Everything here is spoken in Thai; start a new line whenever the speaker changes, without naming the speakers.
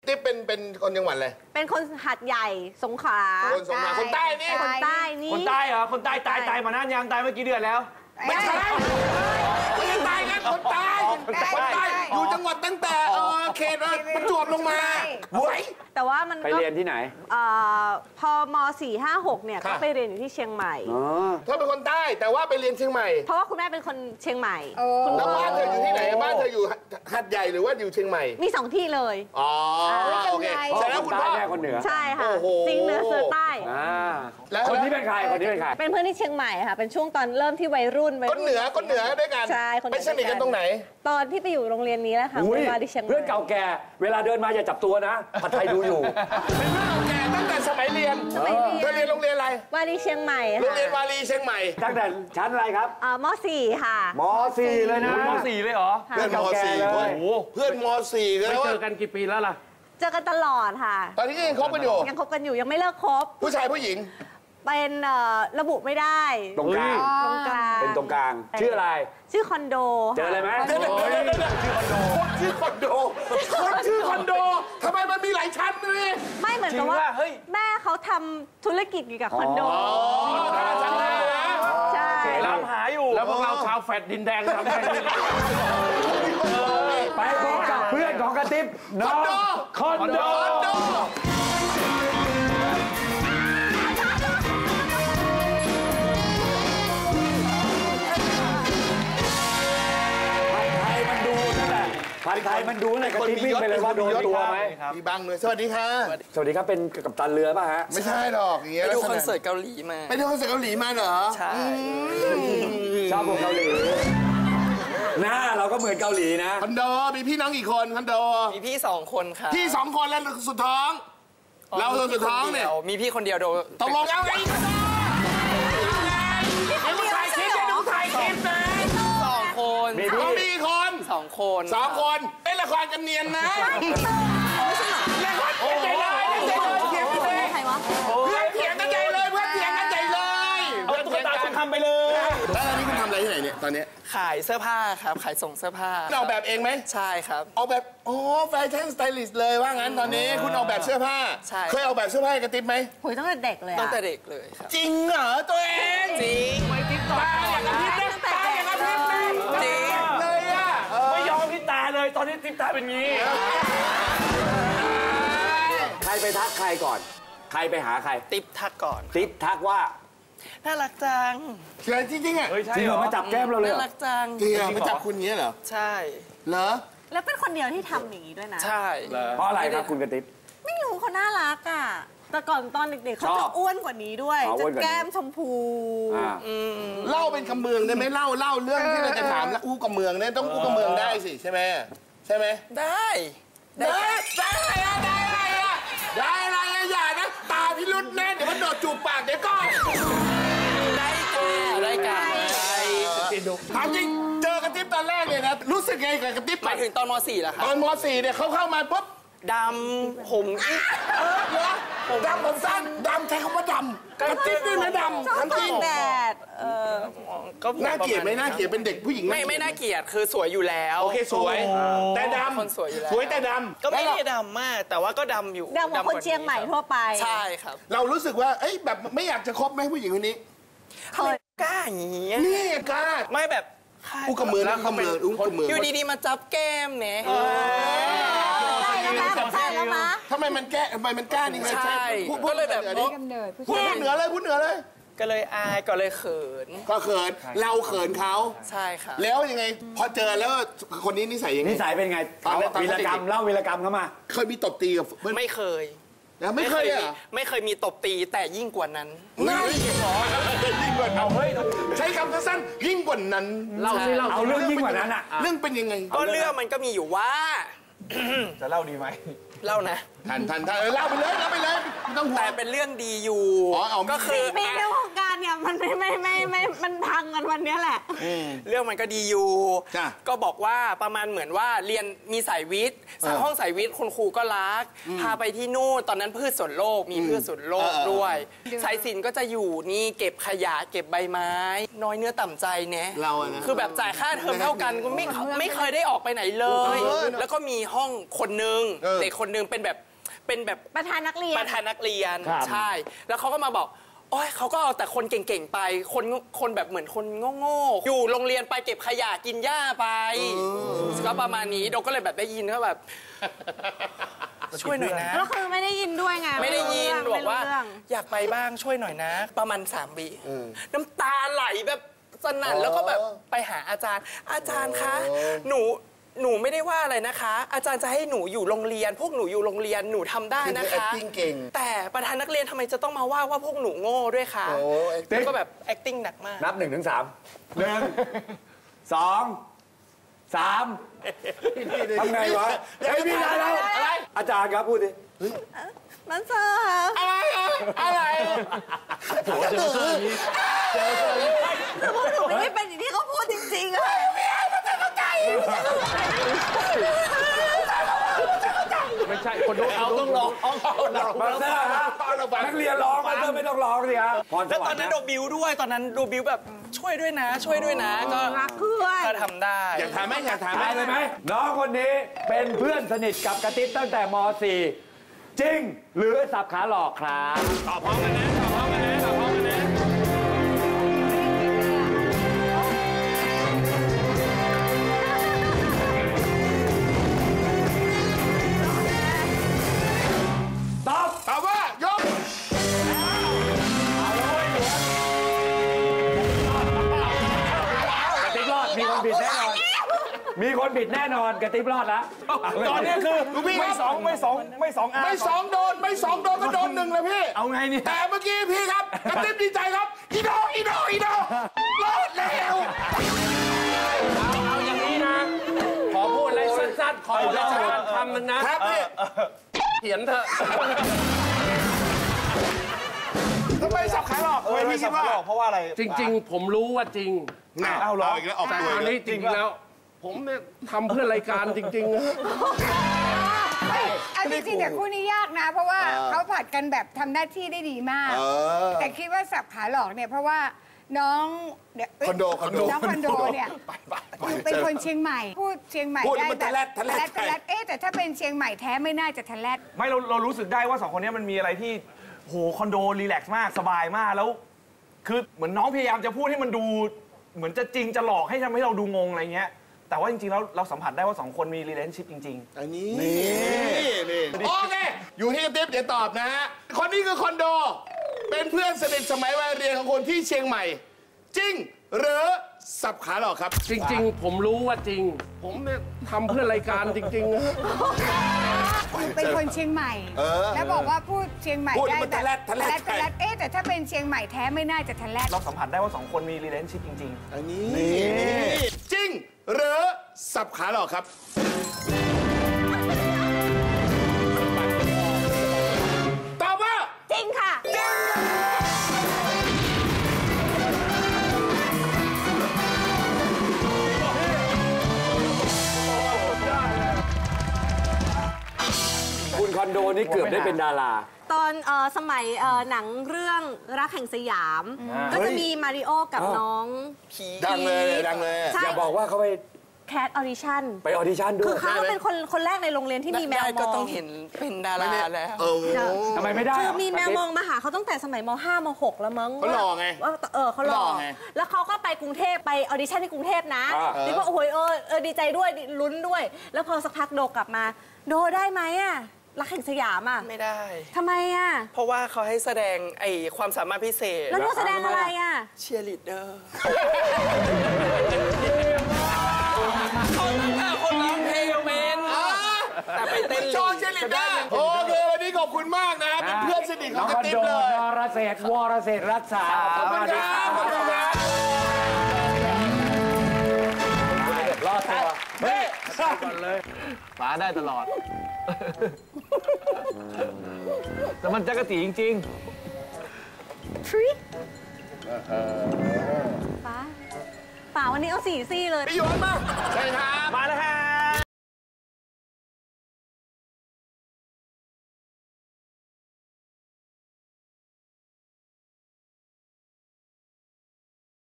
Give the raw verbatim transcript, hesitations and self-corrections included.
ติ๊บเป็นเป็นคนจังหวัดอะไร
เป็นคนหาดใหญ่สงขลา
คนสงขลาคนใต้นี่
คนใต้นี่
คนใต้เหรอคนใต้ตายตายมานานยังตายเมื่อกี่เดือนแล้ว
ไม่ใช่ไม่ใช่ตายกันคนใต้คนใต้อยู่จังหวัดตั้งแต่เขตประจวบลงมาหวย
แต่ว่ามัน
ไปเรียนที่ไหน
พอม สี่ ห้า หกเนี่ยก็ไปเรียนอยู่ที่เชียงใหม่
เธอเป็นคนใต้แต่ว่าไปเรียนเชียงใหม่
เพราะว่าคุณแม่เป็นคนเชียงใหม่
แล้วบ้านเธออยู่ที่ไหนบ้านเธออยู่หาดใหญ่หรือว่าอยู่เชียงใหม่
มีสองที่เลย
อ๋อโอเคแสดงคุณพ่อ
แม่คนเหนือ
ใช่ค่ะจริงเหนือเสือใต้
แล้วคนที่เป็นใครคนที่เป็นใคร
เป็นเพื่อนที่เชียงใหม่ค่ะเป็นช่วงตอนเริ่มที่วัยรุ่น
คนเหนือคนเหนือด้วยกัน
ใช่
ไปสนิทกันตรงไหน
ตอนที่ไปอยู่โรงเรียนนี้แหละค่ะมาที่เชียงใหม่
เพื่อนเก่าแก่เวลาเดินมาอย่าจับตัวนะผัดไทยดูอยู่
เป็นเพื่อนเก่าแก่ตั้งแต่สมัยเรียนเธอเรียนโรงเรียนอะไร
วารีเชียงใหม่
โรงเรียนวารีเชียงใหม่
ตั้งแต่ชั้นอะไรครับ
อ่ามสี่ค่ะ
มสี่เลยนะ
มสี่เลยเหรอ
เพื่อนมสี่เลยเพื่อนมสี่กันแล้ว
เจอกันกี่ปีแล้วล่ะ
เจอกันตลอดค่ะ
ตอนนี้ยังคบกันอยู่
ยังคบกันอยู่ยังไม่เลิกคบ
ผู้ชายผู้หญิง
เป็นระบุไม่ได้
ตรงกลาง
ตรงกลาง
เป็นตรงกลางชื่ออะไร
ชื่อคอนโด
เจอเลยไหม
ชื่อคอนโดชื่อคอนโดคนชื่อคอนโดทำไมมันมีหลายชั้นเลย
ไม่เหมือนกับว่าแม่เขาทำธุรกิจเกี่ยวกับคอนโด
ชั้นแรกนะ
ใช่
ตามหาอยู่แล้วพวกเราชาวแฟดดินแดงทำได้
ไปพบกับเพื่อนของกระติ๊บน้องคอนโดผัดไทยมันดูเลยกระติ๊บวิ่งไปเลยว่าโดนตัวไหม
มีบังเลยสวัสดีค่ะ
สวัสดีครับเป็นกัปตันเรือป่ะฮะ
ไม่ใช่หรอกอย่างเงี้ย
ไปดูคอนเสิร์ตเกาหลีมา
ไปดูคอนเสิร์ตเกาหลีมาเหรอ
ใช่
ชอบพวกเกาหลีหน้าเราก็เหมือนเกาหลีนะ
คอนโดมีพี่น้องกี่คนคอนโด
มีพี่สองคนค่ะ
พี่สองคนแล้วสุดท้องเราสุดท้องเนี่ย
มีพี่คนเดียวโดน
ตกลงเอาไงดูถ่ายคลิปดูถ่ายคลิปนะ
สองคน
มีพี่คน
สองคน
สองคนเป็นละครกันเนียนนะละครกันใหญ่เลยเถียงกันเลยเพื่อนเถียงกันใหญ่เลยเพื่อนเถียงกันใหญ่เลย
เอาตุ๊กตาคุณทำไปเลย
แล้วตอนนี้คุณทำอะไรที่ไหนเนี่ยตอนนี้
ขายเสื้อผ้าครับขายส่งเสื้อผ้า
ออกแบบเองไหม
ใช่ครับ
ออกแบบโอ้แฟชั่นสไตลิสต์เลยว่างั้นตอนนี้คุณออกแบบเสื้อผ้า
ใช่
เคยออกแบบเสื้อผ้ากระติ๊บไหม
หุยตั้งแต่เด็กเลย
ตั้งแต่เด็กเลยครับ
จริงเหรอตัวเอง
จริง
ไม่ติ๊บตา
อย่างกระติ๊บนะตาอย่างกระติ๊บนะ
จริง
เลยอ่ะ
ไม่ยอมพี่ตาเลยตอนนี้ติ๊บตาเป็นงี้
ใครไปทักใครก่อนใครไปหาใคร
ติ๊บทักก่อน
ติ๊บทักว่า
น่ารักจัง
เชื่อจริงๆอ่ะ
จริงเหรอมาจับแก้มเราเลย
น่ารักจัง
จริงเหรอมาจับคุณเงี้ยเหรอ
ใช่
เหรอ
แล้วเป็นคนเดียวที่ทำอย่างนี้ด้วยนะ
ใช่
เพราะอะไรครับคุณกระติ๊บ
ไม่รู้เขาน่ารักอ่ะแต่ก่อนตอนเด็กๆเขาจะอ้วนกว่านี้ด้วยจะแก้มชมพู
เล่าเป็นคำเมืองได้ไหมเล่าเล่าเรื่องที่เราจะถามแล้วอู้กับเมืองเนี่ยต้องอู้กับเมืองได้สิใช่ไหมใช่ไหม
ได้
ได้ได้ได้ได้ได้อะไรอย่านะตาพิรุษแน่เดี๋ยวมันโดดจูบปากเดี๋ยวก็
ได้กันได้กัน
ถามจริงเจอกระติ๊บตอนแรกเนี่ยนะรู้สึกไงกับกระติ๊บ
หมายถึงตอนม .สี่ เหรอครับ
ตอนม .สี่ เนี่ยเขาเข้ามาปุ๊บ
ดำผม
เออเหรอดำผมสั้นดำใช้คำว่าดำกระติ๊บด้วยนะดำ
ชอบตากแดดเออ
ก็น่าเกลียดไหมน่าเกลียดเป็นเด็กผู้หญิง
ไม่ไม่น่าเกลียดคือสวยอยู่แล้ว
โอเคสวยแต่ดำ
คนสวยอยู่แล้ว
สวยแต่ดำ
ก็ไม่ได้ดำมากแต่ว่าก็ดำอยู่
ดำกว่าคนเชียงใหม่ทั่วไป
ใช่ครับ
เรารู้สึกว่าเอ้ยแบบไม่อยากจะคบไหมผู้หญิงคนนี้
เคยกล้าอย่างนี้
นี่กล้า
ไม่แบบ
อู้กับมือแล้วกับมืออู้กับมือ
อยู่ดีๆมาจับแก้มเนี่ย
ทำไมมันแก้ทำไมมันกล้านี่
ใช่ก็เลยแบบ
พูดเหนือเลยพูดเหนือเลย
ก็เลยอายก็เลยเขิน
ก็เขินเราเขินเขา
ใช่ค่ะ
แล้วยังไงพอเจอแล้วคนนี้นิสัยยังไง
นิสัยเป็นไงวีรกรรมเล่าวีรกรรมเข้ามา
เคยมีตบตีกับ
ไม่เคย
แล้วไม่เคยอ่ะ
ไม่เคยมีตบตีแต่ยิ่งกว่านั้น
น่ายิ่งกว่ายิ่งกว่าเอาเฮ้ยใช้คำสั้นๆยิ่งกว่านั้น
เราเอาเรื่องยิ่งกว่านั้นอ่ะ
เรื่องเป็นยังไง
ก็เรื่องมันก็มีอยู่ว่า
จะเล่าดีไหม
เล่านะ
ทันทันทันเล่าไปเลยเล่าไปเลยไม่ต้องห่วง
แต่เป็นเรื่องดีอยู่ก็คือ
มีในวงการเนี่ยมันไม่ไม่ไม่ไม่มันพังกันวันนี้แหละ
เรื่องมันก็ดีอยู่
จ้ะ
ก็บอกว่าประมาณเหมือนว่าเรียนมีสายวิทย์สายห้องสายวิทย์คุณครูก็รัก พาไปที่นู่นตอนนั้นพืชสวนโลกมีพืชสวนโลกด้วย สายศิลป์ก็จะอยู่นี่เก็บขยะเก็บใบไม้ น้อยเนื้อต่ำใจเนะ
เราอะนะ
คือแบบจ่ายค่าเทอมเท่ากันก็ไม่ไม่เคยได้ออกไปไหนเลย แล้วก็มีห้องคนนึงเด็กคนนึงเป็นแบบเป็นแบบ
ประธานนักเรียน
ประธานนักเรียนใช่ แล้วเขาก็มาบอกโอ้ยเขาก็เอาแต่คนเก่งๆไป คนคนแบบเหมือนคนโง่ๆอยู่โรงเรียนไปเก็บขยะกินหญ้าไปก็ประมาณนี้โดก็เลยแบบได้ยินก็แบบ ช่วยหน่อยนะ
แล้วคือไม่ได้ยินด้วยไง
ไม่ได้ยิน
ไม่รู้
บอกว่า
เรื่อง
อยากไปบ้างช่วยหน่อยนะ ประมาณสามปีน้ำตาไหลแบบสนั่นแล้วก็แบบไปหาอาจารย์ อาจารย์คะหนูหนูไม่ได้ว่าอะไรนะคะ อาจารย์จะให้หนูอยู่โรงเรียน พวกหนูอยู่โรงเรียนหนูทำได้นะคะ
acting เก่ง
แต่ประธานนักเรียนทำไมจะต้องมาว่าว่าพวกหนูโง่ด้วยคะ
โอ้
แล้วก็แบบ acting หนักมาก
นับหนึ่งถึงสามหนึ่งสองสามทำไงวะเฮ้ยพี่นายแล้วอะไรอาจารย์ครับพูดดิ
มันเซอร์ค่ะ
อะไรอะไร
คือพวกหนูไม่ได้เป็นอย่างที่เขาพูดจริงๆอะ
ไม่ใช่คนดูเอาต้องร้อง
มาเซอร์ฮะนักเรียนร้องมาเซอร์ไม่ต้องร้องสิฮะพรส
แล้ว
วร
ตอ
ร
น
ค์
นั้น
นะ
โดบิวด้วยตอนนั้นโดบิวแบบช่วยด้วยนะ ช่วยด้วยนะก็
รักเพื่อน
ก็ทำได้
อยากถามไหมอยากถามไหม
ได้เลยไหมน้องคนนี้เป็นเพื่อนสนิทกับกระติ๊บตั้งแต่ม .สี่ จริง หรือสับขาหลอกครับ
ตอบพร้อมกันนะตอบพร้อมกันนะตอบพร้อมกันนะ
ตอบ
ตอบว่ายก
กระติ๊บรอดมีคนผิดแน่นอน มีคนผิดแน่นอนกระติ๊บรอดแล้ว
ตอนนี้คือ
ลูกพี่ค
ไม่
รับ
สองไม่สองไม่สองอา
ไม่สองโดนไม่สองโดนก็โดนหนึ่งเลยพี่
เอาไงเนี่ย
แต่เมื่อกี้พี่ครับกระติ๊บดีใจครับอีโดอีโดอีโดรอดแล้ว
เอาอย่างนี้นะ ขอพูดอะไรสั้นๆ ขอพูดอะไรสั้นๆคำหนึ่งนะครับ
พี่
เขียนเถอะ
ทำไมสับขาหลอกทำไมพี่คิดว่า
เพราะว่าอะไร
จริงๆ ผมรู้ว่าจริง
น่ะ
เอาเหรอ
อีกแล้วออก
แต่
ตัว
อัน
อีกแล้ว
นี้จริงแล้ว ผมเนี่ยทำเพื่อรายการจริงๆนะ
เอาจริงๆแต่คู่นี้ยากนะ เพราะว่าเขาผัดกันแบบทำหน้าที่ได้ดีมาก
เออ
แต่คิดว่าสับขาหลอกเนี่ยเพราะว่าน้องเย
คอนโดคอนโด
น้องคอนโดเนี่ยอยู่เป็นคนเชียงใหม่ พูดเชียงใหม่
พูดแล้ว
ได้
มัน
แบบ
ทะแลดทะแลด
ทะแลดเอ๊ะแต่ถ้าเป็นเชียงใหม่แท้ไม่น่าจะทะแลด
ไม่เราเรารู้สึกได้ว่าสองคนนี้มันมีอะไรที่โหคอนโดรีแลกซ์มากสบายมากแล้ว คือเหมือนน้องพยายามจะพูดให้มันดู เหมือนจะจริงจะหลอกให้ทำให้เราดูงงอะไรเงี้ย แต่ว่าจริงๆแล้วเราสัมผัสได้ว่าสองคนมี relationship จริง
อันนี้นี่นี่โอเคอยู่ที่กระติ๊บเดี๋ยวตอบนะฮะคนนี้คือคอนโด เป็นเพื่อนสนิทสมัยวัยเรียนของคนที่เชียงใหม่ จริง หรือสับขาหลอกครับ
จริงๆ ผมรู้ว่าจริง ผมเนี่ยทำเพื่อรายการจริงๆนะ
เป็นคนเชียงใหม่
เออ
แล้วบอกว่าพูดเชียงใหม่
พูดแล้ว
ได้
มันทะแลดทะแลด
ทะแลดเอ๊ะแต่ถ้าเป็นเชียงใหม่แท้ไม่น่าจะทะแลด
ๆ เราสัมผัสได้ว่าสองคนมี relationship จริง
อันนี้จริง หรือสับขาหลอกครับ ตอบว่า
จริงค่ะ
คุณคอนโดนี่เกือบได้เป็นดารา
ตอนเอ่อสมัยเอ่อหนังเรื่องรักแห่งสยาม ก็จะมีมาริโอกับน้อง
ดังเลยดังเลย
ใช่
อย่าบอกว่าเขาไป
แคทออดิชั่น
ไปออดิชั่นด้
คื
ว
อย เขาเป็นคนคนแรกในโรงเรียนที่มีแมว
ได้
ม
ก็
อ
ต้อง งเห็นเป็นดาราแล้ว
เออ
ทำไมไม่ได้
คือมีแมวมองมาหาเขาตั้งแต่สมัยม .ห้าม .หก แล้วมั้ง
เขาหล่อไง
ว่าเออเขาหล่อ
หล่อไง
แล้วเขาก็ไปกรุงเทพไปออดิชั่นที่กรุงเทพนะ
อ่า
นี่ว่าโอ้ยเออเออดีใจด้วยลุ้นด้วย แล้วพอสักพักโดกลับมา โดได้ไหมอะรักแห่งสยามอะ
ไม่ได้
ทำไมอะ
เพราะว่าเขาให้แสดงไอ้ความสามารถพิเศษ
แล้วโดแสดงอะไรอะ
เชียร์ลีดเดอร์คนร้องเพลงเป็นแต่ไปเต้น
โชว์เชลิดได้โอเควันนี้ขอบคุณมากนะเป็นเพื่อนสนิทข
น้
อ
อง ง
ก
ค
ระ
อน
ติ๊บ
โด
เลย
นรเศรษฐ์วรเศรษฐ์รักษา
ขอบคุณครับขอบคุณครับ
รอดตัวเฮ้ย
ฟ้าได้ตลอด แต่มันจักรจีจริง
ทริป้าป่าวันนี้เอาสี่ซี่เลย
พี่หยวนมาใช่ครับ
มาแล้วครับ